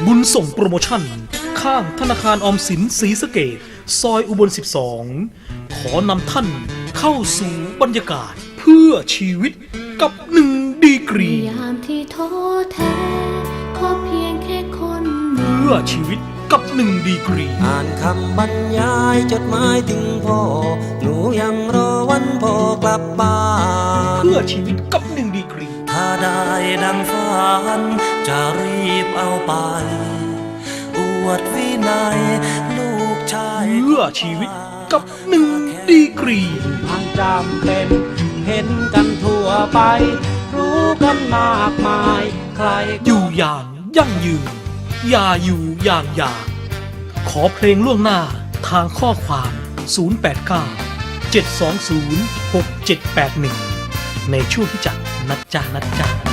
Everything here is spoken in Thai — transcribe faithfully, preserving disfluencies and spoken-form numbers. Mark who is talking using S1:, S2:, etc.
S1: บุญส่งโปรโมชั่นข้างธนาคารออมสินศรีสะเกษซอยอุบลสิบสองขอนำท่านเข้าสู่บรรยากาศเพื่อชีวิตกับหนึ่งดีกรี
S2: ยามที่ท้อแท้ขอเพียงแค่คน
S1: เพื่อชีวิตกับหนึ่งดีกรี
S3: อ่านคำบรรยายจดหมายถึงพ่อหนูยังรอวันพ่อกลับบ้าน
S1: เพื่อชีวิตกับหนึ่งดีกรี
S3: ถ้าได้ดังฝันจะรีบเอาไปอวดวินัยลูกชาย
S1: เพื่อชีวิตกับหนึ่งดีกรี
S4: มันจำเป็นเห็นกันทั่วไปรู้กันมากมายใคร
S1: อยู่อย่างยั่งยืนอย่าอยู่อย่างอยากขอเพลงล่วงหน้าทางข้อความศูนย์ แปด เก้า เจ็ด สอง ศูนย์ หก เจ็ด แปด หนึ่งในช่วงที่จัดนัดจ้านัดจ้า